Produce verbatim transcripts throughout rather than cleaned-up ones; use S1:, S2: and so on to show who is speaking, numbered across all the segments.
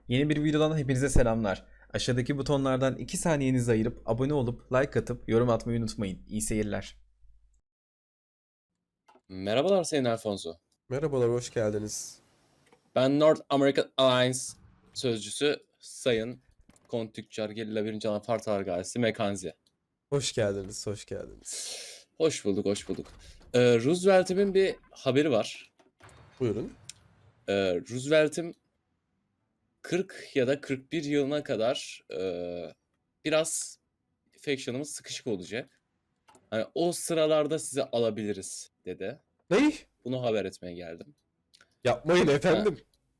S1: Yeni bir videodan hepinize selamlar. Aşağıdaki butonlardan iki saniyenizi ayırıp abone olup like atıp yorum atmayı unutmayın. İyi seyirler.
S2: Merhabalar Sayın Alfonso.
S3: Merhabalar, hoş geldiniz.
S2: Ben North American Alliance sözcüsü Sayın Kont Tüccar Gerilla birinci. Anafar Targayesi Mekanzi.
S3: Hoş geldiniz, hoş geldiniz.
S2: Hoş bulduk, hoş bulduk. Ee, Roosevelt'imin bir haberi var.
S3: Buyurun.
S2: Ee, Roosevelt'im kırk ya da kırk bir yılına kadar e, biraz faction'ımız sıkışık olacak. Hani o sıralarda size alabiliriz dedi.
S3: Ney?
S2: Bunu haber etmeye geldim.
S3: Yapmayın
S2: Ha,
S3: efendim.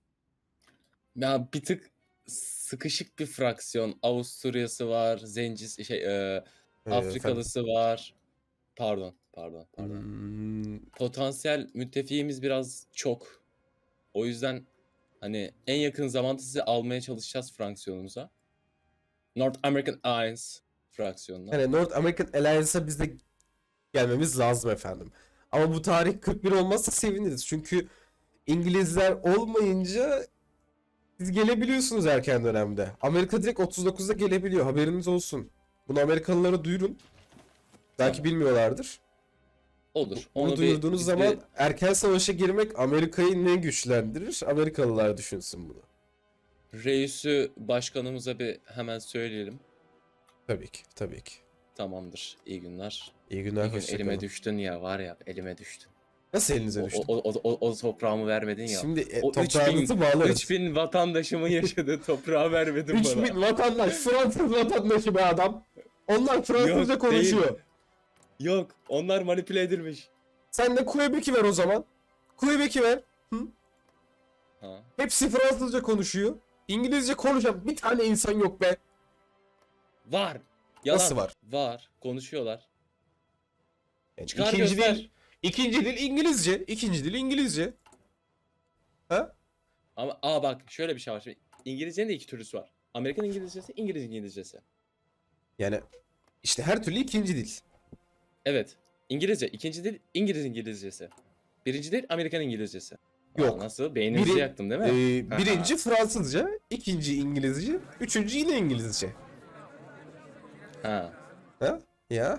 S2: ya bir tık sıkışık bir fraksiyon. Avusturya'sı var, Zencis şey e,
S3: Ee, efendim.
S2: Afrikalısı var. Pardon, pardon, pardon.
S3: Hmm,
S2: Potansiyel müttefiğimiz biraz çok. O yüzden hani en yakın zamanda sizi almaya çalışacağız fraksiyonumuza. North American Alliance fraksiyonuna.
S3: hani North American Alliance'a biz de gelmemiz lazım efendim. Ama bu tarih kırk bir olmazsa seviniriz. Çünkü İngilizler olmayınca siz gelebiliyorsunuz erken dönemde. Amerika direkt otuz dokuzda gelebiliyor. Haberiniz olsun. Bunu Amerikalılara duyurun. Belki
S2: Tamam.
S3: bilmiyorlardır.
S2: Olur.
S3: Bunu
S2: Onu bir
S3: duyurduğunuz
S2: biz
S3: zaman
S2: bir
S3: erken savaşa girmek Amerika'yı ne güçlendirir? Amerikalılar düşünsün bunu.
S2: reisü başkanımıza bir hemen söyleyelim.
S3: Tabii ki, tabii ki.
S2: Tamamdır. İyi günler.
S3: İyi günler,
S2: Bir gün
S3: hoşça
S2: elime
S3: kalın.
S2: düştün ya, var ya, elime düştün.
S3: Nasıl elinize
S2: O,
S3: düştü?
S2: o, o, o, o toprağımı vermedin ya.
S3: Şimdi e,
S2: O üç bin,
S3: toprağınızı bağlarız.
S2: üç bin vatandaşımın yaşadığı toprağı vermedin
S3: üç
S2: bana.
S3: bin vatandaş, Fransız vatandaşı be adam. Onlar Fransızca
S2: Yok,
S3: konuşuyor.
S2: değil. Yok, onlar manipüle edilmiş.
S3: Sen de Quebec'i ver o zaman. Quebec'i ver. Hı?
S2: Ha.
S3: Hepsi Fransızca konuşuyor. İngilizce konuşan bir tane insan yok be.
S2: Var. Yalan.
S3: Nasıl var?
S2: Var. Konuşuyorlar.
S3: Yani
S2: Çıkar
S3: ikinci
S2: göster.
S3: dil, ikinci dil İngilizce. İkinci dil İngilizce. Ha?
S2: Ama aa bak şöyle bir şey var. Şimdi İngilizcenin de iki türlüsü var. Amerikan İngilizcesi, İngiliz İngilizcesi.
S3: Yani işte her türlü ikinci dil.
S2: Evet. İngilizce. İkinci dil İngiliz İngilizcesi. Birinci dil Amerikan İngilizcesi. Aa,
S3: Yok.
S2: nasıl? Beyninizi
S3: Biri,
S2: yaktım değil mi?
S3: e, birinci Fransızca, ikinci İngilizce, üçüncü yine İngilizce.
S2: Ha.
S3: Ha? Ya.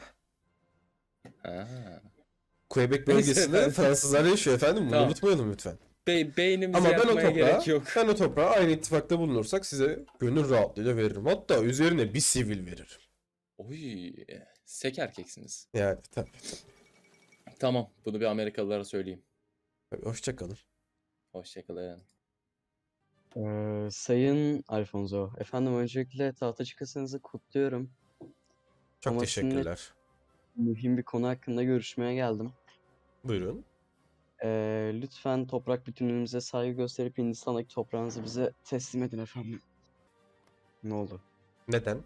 S2: Ha.
S3: Quebec
S2: Neyse
S3: bölgesinde
S2: efendim.
S3: Fransızlar yaşıyor efendim. Bunu
S2: Tamam.
S3: unutmayalım lütfen.
S2: Be beynimizi
S3: Ama ben o
S2: yakmaya
S3: toprağa,
S2: gerek yok.
S3: ben o toprağa aynı ittifakta bulunursak size gönül rahatlığıyla veririm. Hatta üzerine bir sivil veririm.
S2: Oy. Sek erkeksiniz.
S3: Yani tabii.
S2: Tamam. Bunu bir Amerikalılara söyleyeyim.
S3: tabii. Hoşça kalın.
S2: Hoşçakalın.
S4: Ee, Sayın Alfonso, efendim öncelikle tahta çıkasınızı kutluyorum.
S3: Çok
S4: Ama sizinle
S3: teşekkürler.
S4: mühim bir konu hakkında görüşmeye geldim.
S3: Buyurun.
S4: Ee, lütfen toprak bütünlüğümüze saygı gösterip Hindistan'daki toprağınızı bize teslim edin efendim. Ne oldu?
S3: Neden?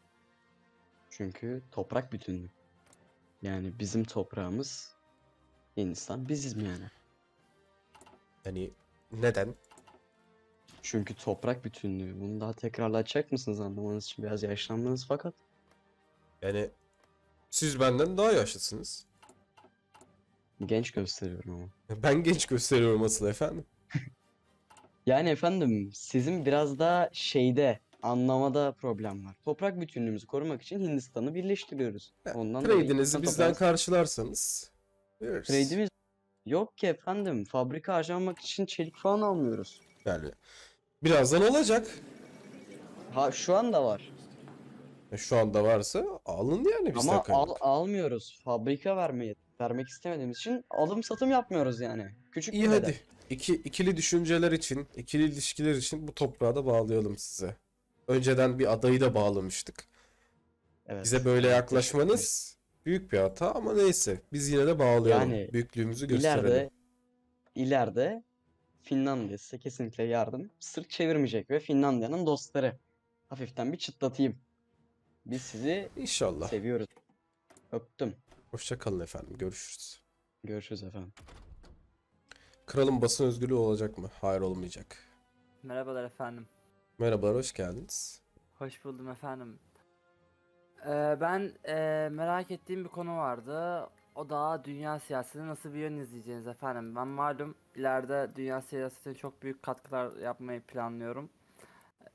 S4: Çünkü toprak bütünlüğü. Yani bizim toprağımız Hindistan, biziz mi yani?
S3: Yani neden?
S4: Çünkü toprak bütünlüğü. Bunu daha tekrarlatacak mısınız anlamanız için? Biraz yaşlandınız fakat.
S3: Yani siz benden daha yaşlısınız.
S4: Genç gösteriyorum ama.
S3: Ben genç gösteriyorum asıl efendim.
S4: Yani efendim sizin biraz da şeyde anlamada problem var. Toprak bütünlüğümüzü korumak için Hindistan'ı birleştiriyoruz.
S3: Ha,
S4: Ondan dolayı
S3: Trade'inizi
S4: Hindistan
S3: bizden
S4: toprağınız-
S3: karşılarsanız veririz.
S4: trade'imiz yok ki efendim. Fabrika harcamak için çelik falan almıyoruz.
S3: Yani birazdan olacak.
S4: Ha şu anda var.
S3: E, Şu anda varsa alın yani bizden
S4: Ama al,
S3: kaynak.
S4: almıyoruz. Fabrika vermeye vermek istemediğimiz için alım satım yapmıyoruz yani. Küçük
S3: İyi
S4: bir bedel.
S3: hadi. İki, ikili düşünceler için, ikili ilişkiler için bu toprağı da bağlayalım size. Önceden bir adayı da bağlamıştık.
S4: Evet.
S3: Bize böyle
S4: evet,
S3: yaklaşmanız büyük bir hata ama neyse. Biz yine de bağlayalım.
S4: Yani
S3: Büyüklüğümüzü
S4: teşekkür ederim.
S3: gösterelim.
S4: İleride ileride Finlandiya size kesinlikle yardım sırt çevirmeyecek ve Finlandiya'nın dostları. Hafiften bir çıtlatayım. Biz sizi
S3: İnşallah.
S4: seviyoruz. Öptüm.
S3: Hoşça kalın efendim. Görüşürüz.
S4: Görüşürüz efendim.
S3: Kralın basın özgürlüğü olacak mı? Hayır, olmayacak.
S5: Merhabalar efendim.
S3: Merhabalar, hoş geldiniz.
S5: Hoş buldum efendim. Ee, ben ee, merak ettiğim bir konu vardı. O da dünya siyasetine nasıl bir yön izleyeceğiniz efendim. Ben malum ileride dünya siyasetine çok büyük katkılar yapmayı planlıyorum.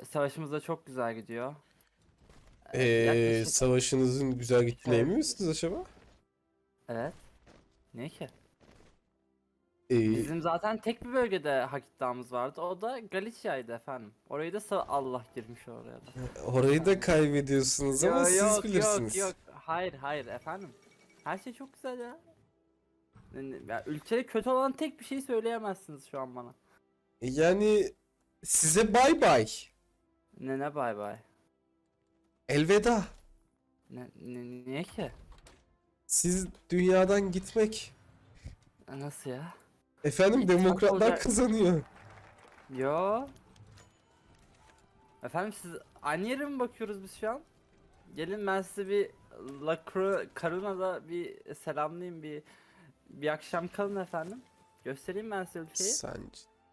S5: Savaşımız da çok güzel gidiyor. Ee,
S3: Ee,
S5: yaklaşık
S3: savaşınızın güzel gittiğine
S5: Evet.
S3: emin misiniz acaba?
S5: evet. Niye ki?
S3: Ee,
S5: Bizim zaten tek bir bölgede hak iddiamız vardı. O da Galicia'ydı efendim. Orayı da sa- Allah girmiş oraya da.
S3: orayı da kaybediyorsunuz ama
S5: Yo,
S3: siz
S5: yok
S3: bilirsiniz.
S5: yok yok. Hayır hayır efendim. Her şey çok güzel ya. Yani, ya ülkede kötü olan tek bir şey söyleyemezsiniz şu an bana.
S3: Yani size bay bay.
S5: Ne ne bay bay.
S3: Elveda.
S5: Ne, ne- niye ki?
S3: Siz dünyadan gitmek.
S5: E, Nasıl ya?
S3: Efendim
S5: İttifak
S3: demokratlar
S5: olacak-
S3: kazanıyor.
S5: Yo. Efendim siz aynı yere mi bakıyoruz biz şu an? Gelin ben size bir La Cru- Caruna'da bir selamlayayım, bir bir akşam kalın efendim. Göstereyim ben size ülkeyi.
S3: Sen...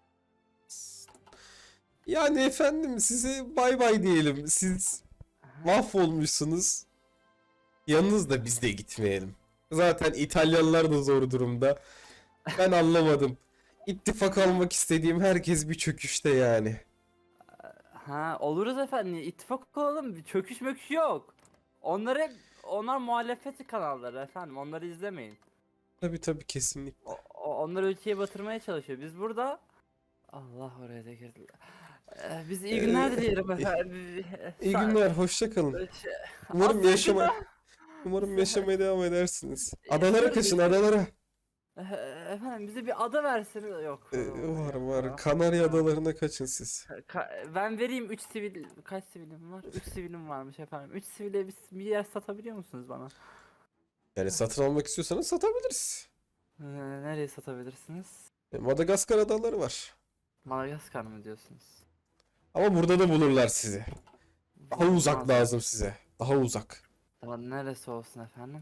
S3: Yani efendim size bay bay diyelim. Siz mahvolmuşsunuz. Yanınızda biz de gitmeyelim. Zaten İtalyanlar da zor durumda. Ben anlamadım. İttifak almak istediğim herkes bir çöküşte yani.
S5: Ha oluruz efendim. İttifak olalım. Bir çöküş möküş yok. Onlar hep onlar muhalefet kanalları efendim. Onları izlemeyin.
S3: Tabii tabii kesinlikle.
S5: O, o- onlar ülkeyi batırmaya çalışıyor. Biz burada Allah oraya da girdi. Ee, biz iyi günler
S3: Ee,
S5: dileyelim efendim.
S3: İyi
S5: Sa-
S3: günler, hoşça kalın.
S5: Şey-
S3: Umarım
S5: Aslında-
S3: yaşama umarım yaşamaya devam edersiniz. Adalara
S5: Yaşarız,
S3: kaçın,
S5: yaşarız.
S3: adalara.
S5: Ee, Efendim bize bir ada verseniz yok.
S3: Ee, var var.
S5: Yok.
S3: Kanarya adalarına kaçın siz.
S5: Ka- ben vereyim üç sivil kaç sivilim var? üç sivilim varmış efendim. üç sivile bir, bir yer satabiliyor musunuz bana?
S3: Yani satın almak istiyorsanız satabiliriz.
S5: Ee, nereye satabilirsiniz?
S3: E, Madagaskar adaları var.
S5: Madagaskar mı diyorsunuz?
S3: Ama burada da bulurlar sizi. Daha uzak
S5: Olmaz.
S3: lazım size. Daha uzak.
S5: Tamam neresi olsun efendim?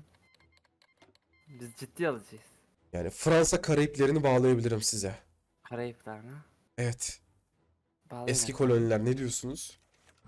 S5: Biz ciddi alıcıyız.
S3: Yani Fransa Karayiplerini bağlayabilirim size.
S5: Karayipler mi?
S3: Evet.
S5: Bağlayın
S3: Eski
S5: efendim.
S3: koloniler ne diyorsunuz?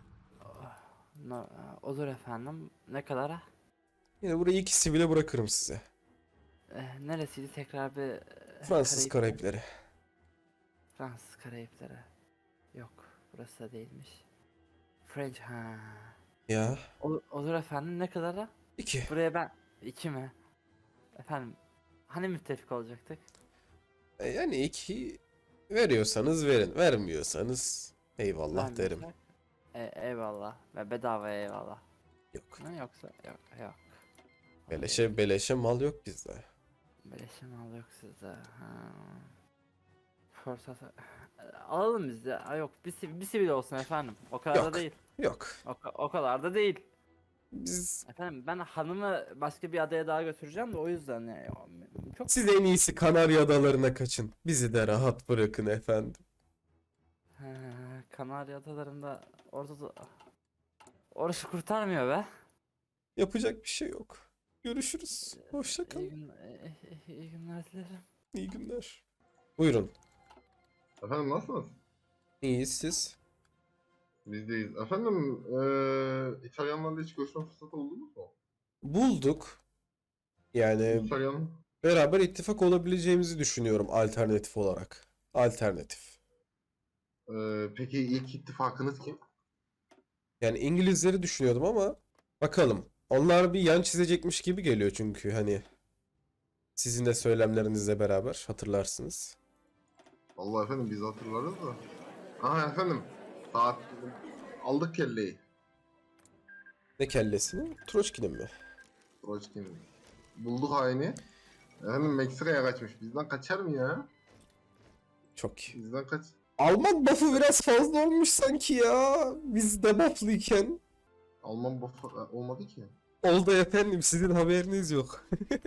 S5: No- olur efendim. Ne kadara?
S3: Yine burayı iki sivile bırakırım size.
S5: Ee, neresiydi tekrar bir e,
S3: Fransız
S5: Karayipler-
S3: Karayipleri.
S5: Fransız Karayipleri. Yok, burası da değilmiş. French ha.
S3: Ya.
S5: Olur, olur efendim ne kadara?
S3: iki.
S5: Buraya ben iki mi? Efendim hani müttefik olacaktık?
S3: E, yani iki veriyorsanız verin. Vermiyorsanız eyvallah derim.
S5: Vermiyorsak, E, eyvallah ve bedava eyvallah.
S3: Yok.
S5: Ne yoksa yok yok.
S3: Beleşe beleşe mal yok bizde.
S5: Beleşe mal yok sizde. Ha. Fırsat alalım biz de. Ha, yok bir, siv- bir sivil olsun efendim. O kadar
S3: Yok.
S5: da değil.
S3: Yok.
S5: O, ka- o kadar da değil.
S3: Biz
S5: Efendim ben hanımı başka bir adaya daha götüreceğim de o yüzden yani çok
S3: siz en iyisi Kanarya Adalarına kaçın. Bizi de rahat bırakın efendim.
S5: Ha, Kanarya Adaları'nda orada da orası kurtarmıyor be.
S3: Yapacak bir şey yok. Görüşürüz. Hoşça
S5: İyi,
S3: kalın.
S5: gün, iyi, iyi günler dilerim.
S3: İyi günler. Buyurun.
S6: Efendim nasılsınız?
S3: İyiyiz siz.
S6: Bizdeyiz. Efendim eee İtalyanlarla hiç görüşme fırsatı buldunuz mu?
S3: Bulduk. Yani
S6: İtalyan
S3: beraber ittifak olabileceğimizi düşünüyorum alternatif olarak. Alternatif.
S6: eee, peki ilk ittifakınız kim?
S3: Yani İngilizleri düşünüyordum ama bakalım. Onlar bir yan çizecekmiş gibi geliyor çünkü hani sizin de söylemlerinizle beraber hatırlarsınız.
S6: Vallahi efendim biz hatırlarız da. Aha efendim. Saat aldık kelleyi.
S3: Ne kellesini? Troçki'nin mi?
S6: Troçkin. Bulduk haini. Efendim Meksika'ya kaçmış. Bizden kaçar mı ya?
S3: Çok iyi.
S6: Bizden kaç.
S3: Alman buff'ı biraz fazla olmuş sanki ya. Biz debufflıyken.
S6: Alman buff olmadı ki.
S3: Oldu efendim, sizin haberiniz yok.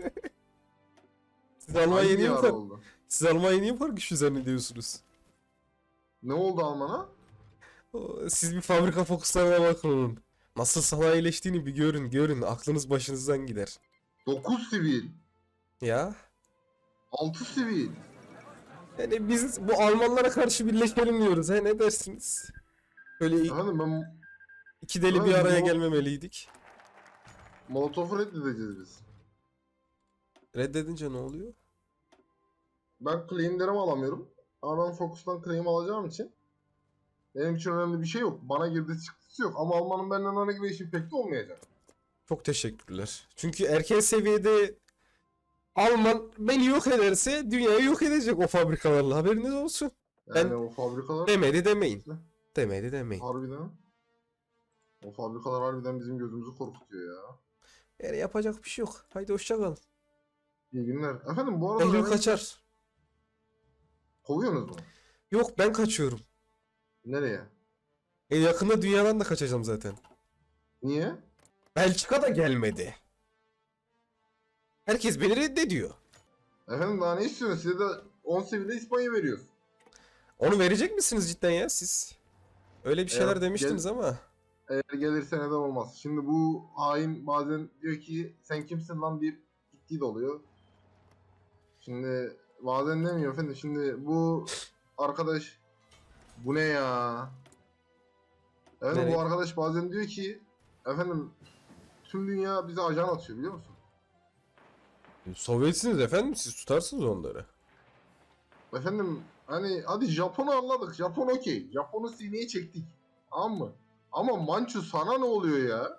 S3: Siz Almanya'yı
S6: Hangi
S3: niye bu
S6: ara
S3: kadar,
S6: oldu?
S3: siz Almanya'yı niye bu kadar güçlü zannediyorsunuz?
S6: Ne oldu Alman'a?
S3: O, Siz bir fabrika fokuslarına bakın onun. Nasıl sanayileştiğini bir görün, görün. Aklınız başınızdan gider.
S6: dokuz sivil.
S3: Ya.
S6: altı sivil.
S3: Yani biz bu Almanlara karşı birleşelim diyoruz. He ne dersiniz? Böyle
S6: Efendim ben
S3: iki deli bir
S6: Evet,
S3: araya
S6: bu-
S3: gelmemeliydik.
S6: Molotov'u reddedeceğiz biz.
S3: Reddedince ne oluyor?
S6: Ben claimlerimi alamıyorum. Ama ben Focus'tan claim alacağım için Benim için önemli bir şey yok. Bana girdi çıktısı yok. Ama Alman'ın benden herhangi bir işi pek de olmayacak.
S3: Çok teşekkürler. Çünkü erken seviyede Alman beni yok ederse dünyayı yok edecek o fabrikalarla. Haberiniz olsun.
S6: Yani
S3: Ben-
S6: o fabrikalar
S3: Demedi demeyin. Demedi demeyin.
S6: harbiden. O fabrikalar harbiden bizim gözümüzü korkutuyor ya.
S3: Yani yapacak bir şey yok. Haydi hoşça kalın.
S6: İyi günler. Efendim bu arada
S3: Eylül
S6: beni
S3: kaçar.
S6: kovuyorsunuz mu?
S3: Yok ben kaçıyorum.
S6: Nereye?
S3: E yakında dünyadan da kaçacağım zaten.
S6: Niye?
S3: Belçika da gelmedi. Herkes beni reddediyor.
S6: Efendim daha ne istiyorsunuz? Size de on seviyeyle İspanya veriyoruz.
S3: Onu verecek misiniz cidden ya siz? Öyle bir şeyler
S6: Eğer
S3: demiştiniz
S6: gel-
S3: ama.
S6: Eğer gelirse neden olmaz. Şimdi bu hain bazen diyor ki sen kimsin lan deyip gittiği de oluyor. Şimdi bazen demiyor efendim. Şimdi bu arkadaş bu ne ya? Efendim
S3: Nereye?
S6: bu arkadaş bazen diyor ki efendim tüm dünya bize ajan atıyor biliyor musun?
S3: Sovyetsiniz efendim siz tutarsınız onları.
S6: Efendim hani hadi Japon'u anladık. Japon okey. Japon'u sineye çektik. Tamam mı? Ama Mançu sana ne oluyor ya?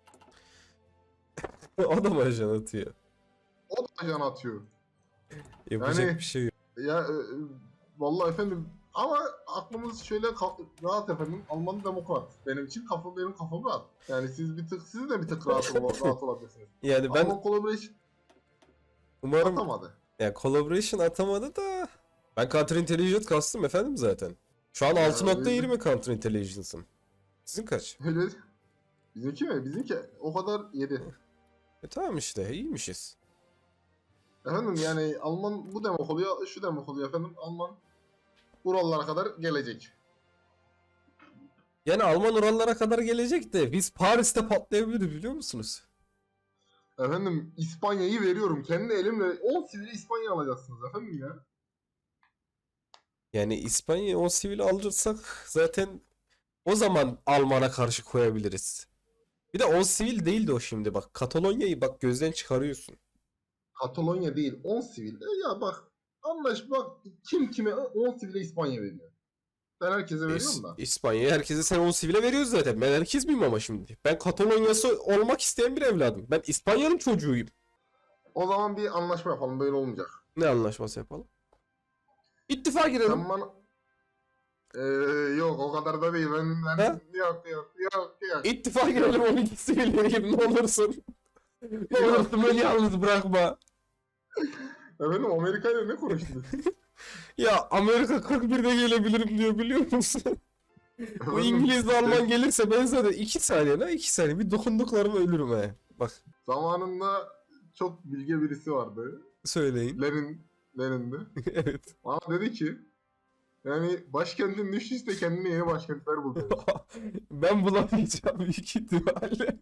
S3: O da mı ajan atıyor?
S6: O da ajan atıyor.
S3: Yapacak
S6: Yani-
S3: bir şey yok.
S6: Ya e, e, vallahi efendim ama aklımız şöyle ka- rahat efendim. Alman demokrat. Benim için kafa benim kafam rahat. Yani siz bir tık siz de bir tık rahat, ol- rahat olabilirsiniz.
S3: Yani ben
S6: Alman collaboration
S3: umarım
S6: atamadı.
S3: ya collaboration atamadı da ben counter intelligence kastım efendim zaten. Şu an
S6: Ya,
S3: altı nokta yirmi counter intelligence'ım. Sizin kaç?
S6: Öyle bizimki mi? Bizimki o kadar yedi.
S3: E tamam işte iyiymişiz.
S6: Efendim yani Alman bu demek oluyor, şu demek oluyor efendim. Alman Urallara kadar gelecek.
S3: Yani Alman Urallara kadar gelecek de biz Paris'te patlayabiliriz biliyor musunuz?
S6: Efendim İspanya'yı veriyorum. Kendi elimle on sivili İspanya alacaksınız efendim ya.
S3: Yani İspanya'yı o sivil alırsak zaten o zaman Alman'a karşı koyabiliriz. Bir de o sivil değildi o şimdi bak. Katalonya'yı bak gözden çıkarıyorsun.
S6: Katalonya değil on sivil. E ya bak anlaş bak kim kime on sivile İspanya veriyor. Ben herkese veriyorum
S3: İs-
S6: da.
S3: İspanya'ya herkese sen on sivile veriyoruz zaten. Ben herkes miyim ama şimdi? Ben Katalonya'sı olmak isteyen bir evladım. Ben İspanya'nın çocuğuyum.
S6: O zaman bir anlaşma yapalım böyle olmayacak.
S3: Ne anlaşması yapalım? İttifak girelim.
S6: Sen bana... Ee, yok o kadar da değil. Ben, ben...
S3: Ha?
S6: Yok yok yok yok.
S3: İttifak girelim on iki sivil gibi ne olursun. Ne olursun beni yalnız bırakma.
S6: Efendim Amerika ile ne konuştunuz?
S3: Ya Amerika kırk birde gelebilirim diyor biliyor musun? Bu
S6: Efendim,
S3: İngiliz de Alman gelirse ben zaten iki saniye ne iki saniye bir dokunduklarıma ölürüm he. Bak
S6: Zamanında çok bilge birisi vardı.
S3: söyleyin.
S6: Lenin, Lenin'di.
S3: Evet.
S6: Bana dedi ki yani başkentin düştüyse kendine yeni başkentler bul dedi.
S3: Ben bulamayacağım büyük ihtimalle.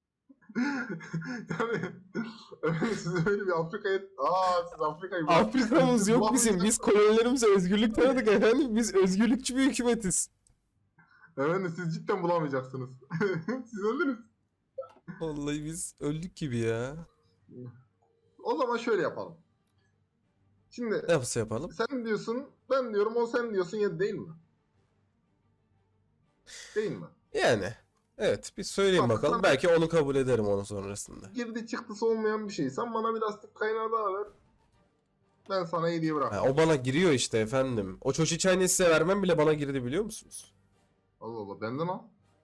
S6: yani efendim siz öyle bir Afrika'ya... Aa siz Afrika'yı...
S3: Afrika'mız
S6: Siz
S3: yok bizim.
S6: bulamayacaksınız.
S3: Biz kolonilerimize özgürlük tanıdık efendim. Biz özgürlükçü bir hükümetiz.
S6: Efendim siz cidden bulamayacaksınız. siz öldünüz.
S3: Vallahi biz öldük gibi ya.
S6: O zaman şöyle yapalım. Şimdi
S3: Nasıl yapalım?
S6: sen diyorsun, ben diyorum, o sen diyorsun ya değil mi? Değil mi?
S3: Yani. Evet bir söyleyin
S6: Tamam,
S3: bakalım.
S6: tamam.
S3: Belki onu kabul ederim onun sonrasında.
S6: Girdi çıktısı olmayan bir şey. Sen bana bir lastik kaynağı daha ver. Ben sana hediye
S3: Ha,
S6: bırakmam.
S3: o bana giriyor işte efendim. O çoçiçayını size vermem bile bana girdi biliyor musunuz?
S6: Allah Allah benden al.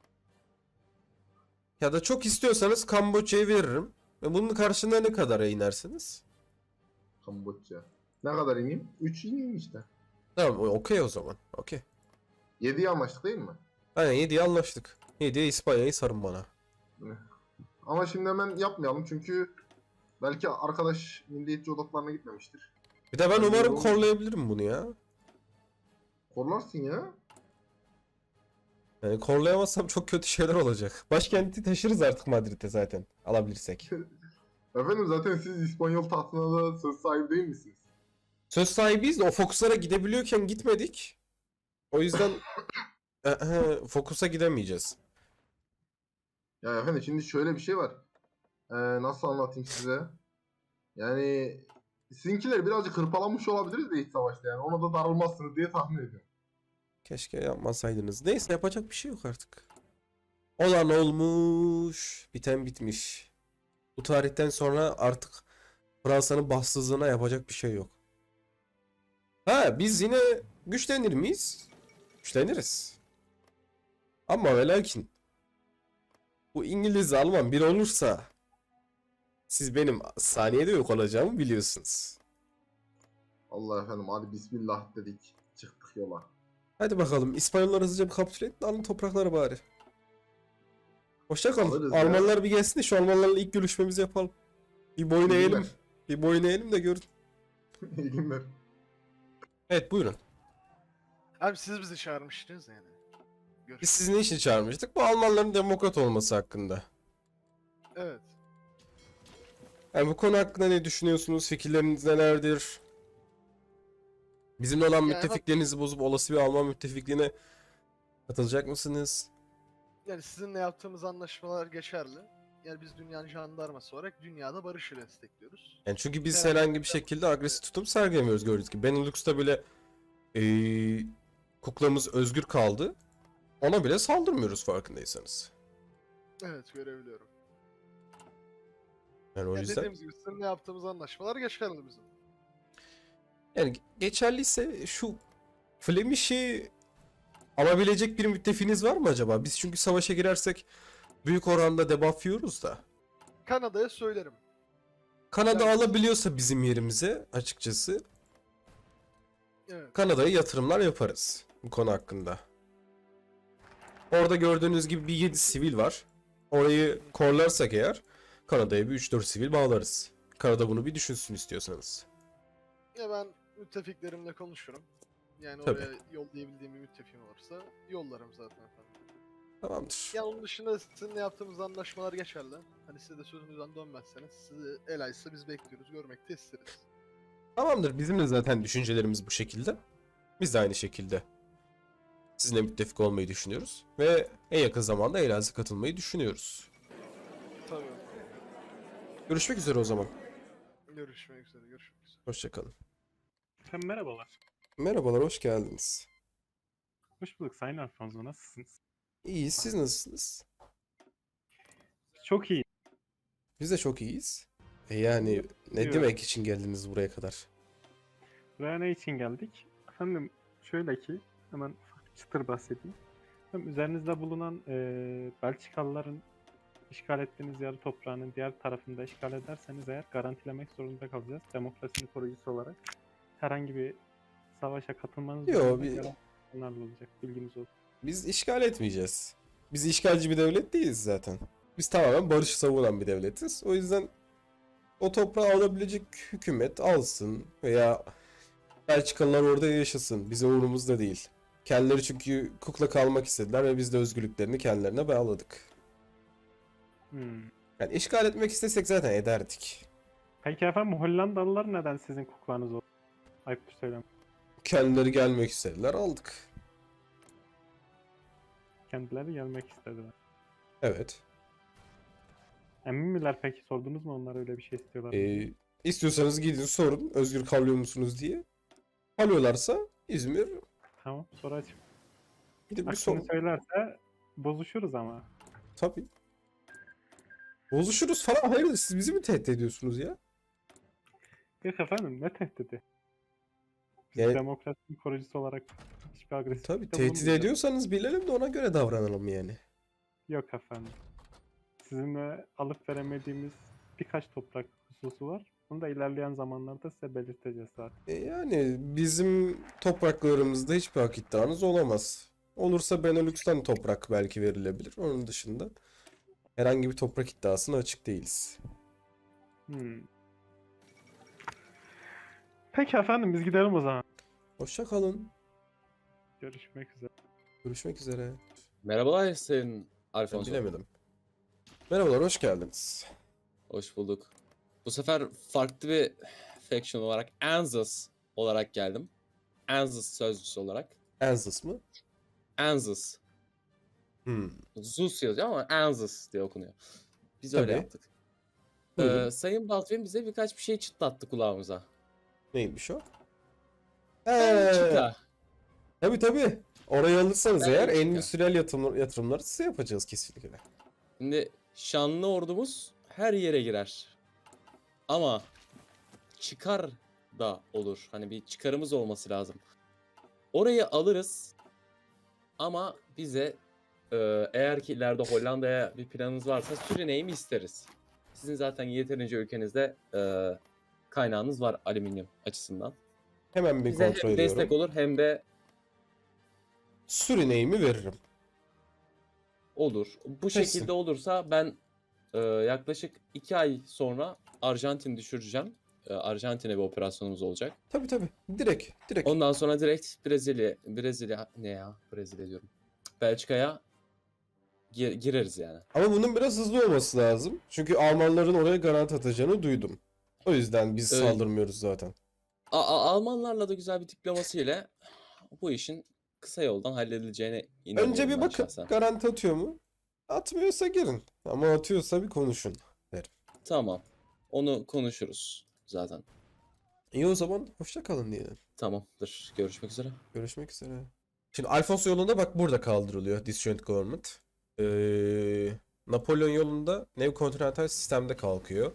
S3: Ya da çok istiyorsanız Kamboçya'yı veririm. Ve bunun karşılığında ne kadara inersiniz?
S6: Kamboçya. Ne kadar ineyim? üç ineyim işte.
S3: Tamam o- okey o zaman. Okey.
S6: yediye anlaştık değil mi?
S3: Aynen yediye anlaştık. yediye İspanya'yı sarın bana.
S6: Ama şimdi hemen yapmayalım çünkü belki arkadaş milliyetçi odaklarına gitmemiştir.
S3: Bir de ben
S6: Ben
S3: umarım
S6: de-
S3: korlayabilirim bunu ya.
S6: Korlarsın ya.
S3: Yani korlayamazsam çok kötü şeyler olacak. Başkenti taşırız artık Madrid'e zaten. Alabilirsek.
S6: Efendim zaten siz İspanyol tahtına da söz sahibi değil misiniz?
S3: Söz sahibiyiz de o Focus'lara gidebiliyorken gitmedik. O yüzden Focus'a gidemeyeceğiz.
S6: Ya efendim şimdi şöyle bir şey var. Ee, nasıl anlatayım size? Yani sizinkiler birazcık hırpalanmış olabiliriz de iç savaşta yani. Ona da darılmazsınız diye tahmin ediyorum.
S3: Keşke yapmasaydınız. Neyse yapacak bir şey yok artık. Olan olmuş, biten bitmiş. Bu tarihten sonra artık Fransa'nın bahtsızlığına yapacak bir şey yok. Ha, biz yine güçlenir miyiz? Güçleniriz. Ama ve lakin bu İngiliz Alman bir olursa siz benim saniyede yok olacağımı biliyorsunuz.
S6: Allah efendim hadi bismillah dedik. Çıktık yola.
S3: Hadi bakalım İspanyollar hızlıca bir kapitüle edin, alın toprakları bari. Hoşça kalın.
S6: Alırız ya.
S3: Almanlar bir gelsin de şu Almanlarla ilk görüşmemizi yapalım. Bir boyun
S6: İyi
S3: eğelim.
S6: günler.
S3: Bir boyun eğelim de görün.
S6: İyi günler.
S3: Evet, buyurun.
S7: Abi siz bizi çağırmıştınız yani.
S3: Biz
S7: Görüşürüz.
S3: sizi ne için çağırmıştık? Bu Almanların demokrat olması hakkında.
S7: Evet.
S3: Yani bu konu hakkında ne düşünüyorsunuz? Fikirleriniz nelerdir? Bizimle olan
S7: Yani
S3: müttefiklerinizi bozup olası bir Alman müttefikliğine katılacak mısınız?
S7: Yani sizinle yaptığımız anlaşmalar geçerli. Yani biz dünyanın jandarması olarak dünyada barışı destekliyoruz.
S3: Yani çünkü biz
S7: Herhangi
S3: herhangi bir şekilde agresif tutum sergilemiyoruz gördüğünüz gibi. Benelux'ta bile eee kuklamız özgür kaldı. Ona bile saldırmıyoruz farkındaysanız.
S7: Evet, görebiliyorum.
S3: Yani o
S7: Yani
S3: yüzden
S7: dediğimiz gibi sizinle yaptığımız anlaşmalar geçerli bizim.
S3: yani geçerliyse şu Flemish'i alabilecek bir müttefiğiniz var mı acaba? Biz çünkü savaşa girersek büyük oranda debuff yiyoruz da.
S7: Kanada'ya söylerim.
S3: Kanada
S7: Yani-
S3: alabiliyorsa bizim yerimize açıkçası
S7: Evet.
S3: Kanada'ya yatırımlar yaparız bu konu hakkında. Orada gördüğünüz gibi bir yedi sivil var. Orayı korlarsak eğer Kanada'ya bir üç dört sivil bağlarız. Kanada bunu bir düşünsün istiyorsanız.
S7: Ya ben müttefiklerimle konuşurum. Yani
S3: Tabii.
S7: oraya yollayabildiğim bir müttefiğim olursa yollarım zaten efendim.
S3: Tamamdır.
S7: Ya onun dışında sizinle yaptığımız anlaşmalar geçerli. Hani siz de sözünüzden dönmezseniz sizi el açsa biz bekliyoruz, görmek de isteriz.
S3: Tamamdır. Bizim de zaten düşüncelerimiz bu şekilde. Biz de aynı şekilde sizinle müttefik olmayı düşünüyoruz. Ve en yakın zamanda Elazığ katılmayı düşünüyoruz.
S7: Tabii.
S3: Görüşmek üzere o zaman.
S7: Görüşmek üzere, görüşmek üzere.
S3: Hoşçakalın.
S8: Efendim merhabalar.
S3: Merhabalar, hoş geldiniz.
S8: Hoş bulduk Sayın Alfonso. Nasılsınız?
S3: İyiyiz, siz nasılsınız?
S8: Çok iyi.
S3: Biz de çok iyiyiz. E yani ne
S8: Yok.
S3: demek için geldiniz buraya kadar?
S8: Buraya ne için geldik? Efendim şöyle ki hemen ufak bir çıtır bahsedeyim. Hem üzerinizde bulunan eee Belçikalıların işgal ettiğiniz yarı toprağının diğer tarafını da işgal ederseniz eğer garantilemek zorunda kalacağız. Demokrasinin koruyucusu olarak herhangi bir savaşa katılmanız
S3: Yo,
S8: durumunda
S3: bir-
S8: garantilerle olacak. Bilginiz olsun.
S3: Biz işgal etmeyeceğiz. Biz işgalci bir devlet değiliz zaten. Biz tamamen barışı savunan bir devletiz. O yüzden o toprağı alabilecek hükümet alsın veya Belçikalılar orada yaşasın. Bize umurumuzda değil. Kendileri çünkü kukla kalmak istediler ve biz de özgürlüklerini kendilerine bağladık.
S8: Hmm.
S3: Yani işgal etmek istesek zaten ederdik.
S8: Peki efendim Hollandalılar neden sizin kuklanız oldu? Ayıptır söylem.
S3: Kendileri gelmek istediler, aldık.
S8: Kendileri gelmek istediler.
S3: Evet.
S8: Emin miler peki? Sordunuz mu onlar öyle bir şey istiyorlar mı?
S3: Ee, istiyorsanız gidin sorun özgür kalıyor musunuz diye. Kalıyorlarsa İzmir
S8: Tamam soracağım.
S3: gidip bir
S8: Aksini
S3: sorun.
S8: söylerse bozuşuruz ama.
S3: Tabii. Bozuşuruz falan. Hayırdır, siz bizi mi tehdit ediyorsunuz ya?
S8: Yok efendim ne tehdidi? Biz
S3: Yani-
S8: demokrasinin koruyucusu olarak hiçbir agresif
S3: Tabii tehdit ediyorsanız bilelim de ona göre davranalım yani.
S8: Yok efendim. Sizinle alıp veremediğimiz birkaç toprak hususu var. Bunu da ilerleyen zamanlarda size belirteceğiz zaten.
S3: E yani bizim topraklarımızda hiçbir hak iddianız olamaz. Olursa Benelux'tan toprak belki verilebilir. Onun dışında herhangi bir toprak iddiasına açık değiliz.
S8: Hmm. Peki efendim biz gidelim o zaman.
S3: Hoşça kalın.
S8: Görüşmek üzere.
S3: Görüşmek üzere.
S2: Merhabalar Sayın
S3: Ben
S2: Alfonso.
S3: bilemedim. Merhabalar, hoş geldiniz.
S2: Hoş bulduk. Bu sefer farklı bir faction olarak Anzus olarak geldim. Anzus sözcüsü olarak.
S3: Anzus mı?
S2: Anzus.
S3: Hmm.
S2: Zeus yazıyor ama Anzus diye okunuyor. Biz öyle
S3: Tabii.
S2: yaptık.
S3: Buyurun.
S2: Ee, Sayın Baldwin bize birkaç bir şey çıtlattı kulağımıza.
S3: Neymiş o?
S2: Belçika.
S3: Tabii tabii. Orayı alırsanız
S2: Ben
S3: eğer
S2: de-
S3: endüstriyel yatırımlar, yatırımları size yapacağız kesinlikle.
S2: Şimdi şanlı ordumuz her yere girer. Ama çıkar da olur. Hani bir çıkarımız olması lazım. Orayı alırız. Ama bize e, eğer ki ileride Hollanda'ya bir planınız varsa Surine'yi mi isteriz? Sizin zaten yeterince ülkenizde e, kaynağınız var alüminyum açısından.
S3: Hemen bir
S2: Bize
S3: kontrol
S2: hem destek
S3: ediyorum.
S2: olur hem de
S3: Surine'imi veririm.
S2: olur. Bu
S3: Kesin.
S2: şekilde olursa ben e, yaklaşık iki ay sonra Arjantin düşüreceğim. E, Arjantin'e bir operasyonumuz olacak.
S3: Tabii tabii. Direkt. Direkt.
S2: Ondan sonra direkt Brezilya, Brezilya ne ya? Brezilya diyorum. Belçika'ya gir- gireriz yani.
S3: Ama bunun biraz hızlı olması lazım. Çünkü Almanların oraya garanti atacağını duydum. O yüzden biz
S2: Evet.
S3: saldırmıyoruz zaten.
S2: A- A- Almanlarla da güzel bir diplomasi ile bu işin kısa yoldan halledileceğine inanıyorum
S3: Önce bir
S2: ben
S3: bakın.
S2: şahsen.
S3: Garanti atıyor mu? Atmıyorsa girin. Ama atıyorsa bir konuşun.
S2: Tamam. Onu konuşuruz zaten.
S3: İyi o zaman hoşça kalın diyelim.
S2: Tamamdır. Görüşmek üzere.
S3: Görüşmek üzere. Şimdi Alfonso yolunda bak burada kaldırılıyor Disjoint Government. Ee, Napolyon yolunda neokontinental sistemde kalkıyor.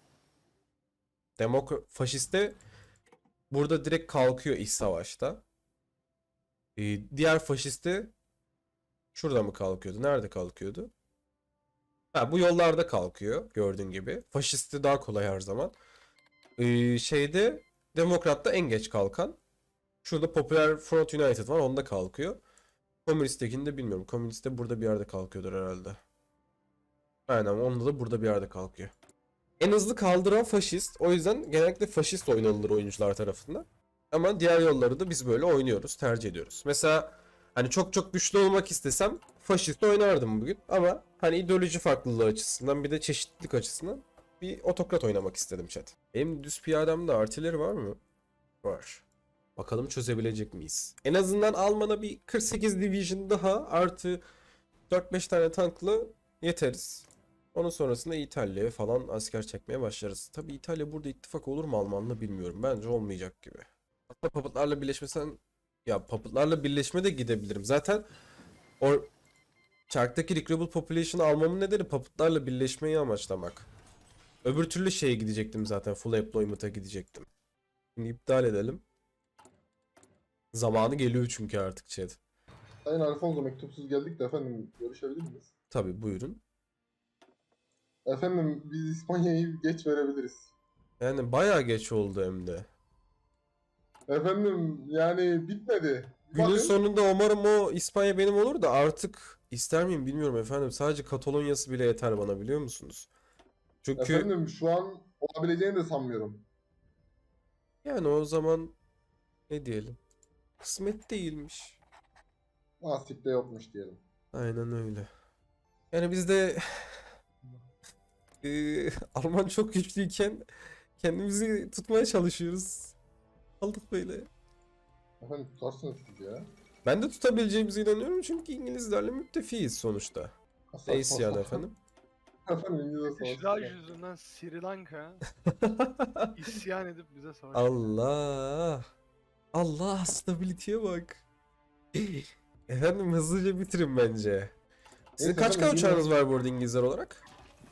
S3: Demokrat faşiste burada direkt kalkıyor iç savaşta. Ee, diğer faşiste şurada mı kalkıyordu? Nerede kalkıyordu? Ha, bu yollarda kalkıyor gördüğün gibi. Faşisti daha kolay her zaman. Ee, şeyde Demokrat'ta en geç kalkan. Şurada Popular Front United var, onda kalkıyor. Komünist'tekini de bilmiyorum. Komünist de burada bir yerde kalkıyordur herhalde. Aynen, onda da burada bir yerde kalkıyor. En hızlı kaldıran faşist. O yüzden genellikle faşist oynanılır oyuncular tarafından. Ama diğer yolları da biz böyle oynuyoruz, tercih ediyoruz. Mesela hani çok çok güçlü olmak istesem faşist oynardım bugün. Ama hani ideoloji farklılığı açısından bir de çeşitlilik açısından bir otokrat oynamak istedim chat. Benim düz piyademde artileri var mı? Var. Bakalım çözebilecek miyiz? En azından Alman'a bir kırk sekiz division daha artı dört beş tane tankla yeteriz. Onun sonrasında İtalya'ya falan asker çekmeye başlarız. Tabii İtalya burada ittifak olur mu Alman'la bilmiyorum. Bence olmayacak gibi. Hatta papıtlarla birleşmesen... Ya papıtlarla birleşme de gidebilirim. Zaten o çarktaki recruitable population'ı almamın nedeni papıtlarla birleşmeyi amaçlamak. Öbür türlü şeye gidecektim zaten. Full employment'a gidecektim. Şimdi iptal edelim. Zamanı geliyor çünkü artık chat.
S6: Sayın Alfonso, mektupsuz geldik de efendim görüşebilir miyiz?
S3: Tabii buyurun.
S6: Efendim biz İspanya'yı geç verebiliriz.
S3: Yani bayağı geç oldu hem de.
S6: Efendim yani bitmedi.
S3: Günün
S6: Bakın,
S3: sonunda umarım o İspanya benim olur da artık ister miyim bilmiyorum efendim. Sadece Katalonya'sı bile yeter bana, biliyor musunuz? Çünkü
S6: efendim şu an olabileceğini de sanmıyorum.
S3: yani o zaman ne diyelim? Kısmet değilmiş.
S6: Nasipte yokmuş diyelim.
S3: Aynen öyle. Yani biz de eee, Alman çok güçlüyken kendimizi tutmaya çalışıyoruz. Aldık böyle.
S6: Efendim tutarsınız siz ya.
S3: Ben de tutabileceğimize inanıyorum çünkü İngilizlerle müttefiyiz sonuçta.
S6: Asla
S3: Ne isyan
S6: asla.
S3: efendim?
S6: Efendim İngilizce
S7: İşler
S6: savaşı.
S7: yüzünden Sri Lanka isyan edip bize savaş.
S3: Allah. Allah, stability'ye bak. Efendim hızlıca bitirin bence. Sizin
S6: Neyse
S3: kaç
S6: efendim,
S3: K uçağınız
S6: bilmiyorum.
S3: var bu arada İngilizler olarak?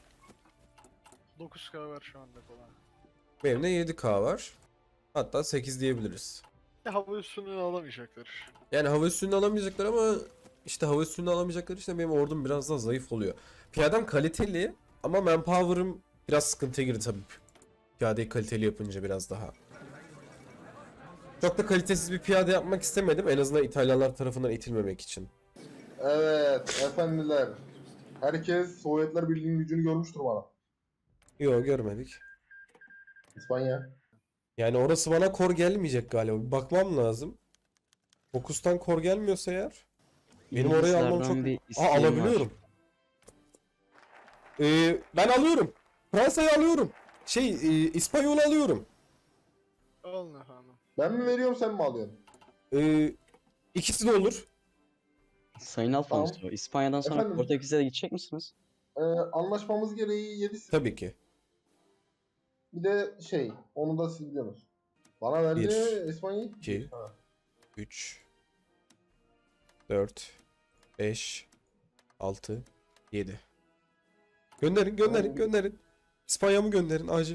S7: dokuz K var şu anda falan.
S3: Benim de yedi K var. Hatta sekiz diyebiliriz.
S7: Ya hava üstünlüğünü alamayacaklar.
S3: Yani hava üstünlüğünü alamayacaklar ama işte hava üstünlüğünü alamayacaklar işte benim ordum biraz daha zayıf oluyor. Piyadem kaliteli ama manpower'ım biraz sıkıntıya girdi tabii. Piyadeyi kaliteli yapınca biraz daha. Çok da kalitesiz bir piyade yapmak istemedim. En azından İtalyanlar tarafından itilmemek için.
S6: Evet efendiler. Herkes Sovyetler Birliği'nin gücünü görmüştür bana.
S3: Yok, görmedik.
S6: İspanya.
S3: Yani orası bana kor gelmeyecek galiba. Bir bakmam lazım. Fokus'tan kor gelmiyorsa eğer. Benim orayı almam çok...
S4: İngilizlerden bir
S3: Aa,
S4: isteğim var.
S3: alabiliyorum. Ee, ben alıyorum. Fransa'yı alıyorum. Şey, e, İspanyol'u alıyorum.
S7: Alın efendim.
S6: Ben mi veriyorum sen mi alıyorsun?
S3: Ee, ikisi de olur.
S4: Sayın Alfonso,
S6: Tamam.
S4: İspanya'dan sonra
S6: Efendim?
S4: Portekiz'e de gidecek misiniz?
S6: Ee, anlaşmamız gereği yedi.
S3: Tabii ki.
S6: Bir de şey, onu da siz biliyorsunuz. Bana verdi
S3: Bir,
S6: İspanya'yı.
S3: iki.
S6: Ha.
S3: üç, dört, beş, altı, yedi. Gönderin, gönderin, gönderin. İspanya'mı gönderin acil.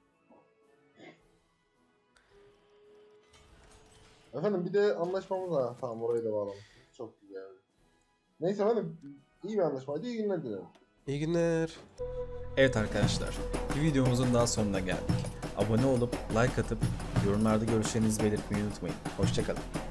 S6: Efendim bir de anlaşmamız var. Tamam orayı da bağladım. Çok güzel. Neyse efendim iyi bir anlaşmaydı. İyi günler dilerim.
S3: İyi günler.
S1: Evet arkadaşlar, bir videomuzun daha sonuna geldik. Abone olup like atıp yorumlarda görüşlerinizi belirtmeyi unutmayın. Hoşçakalın.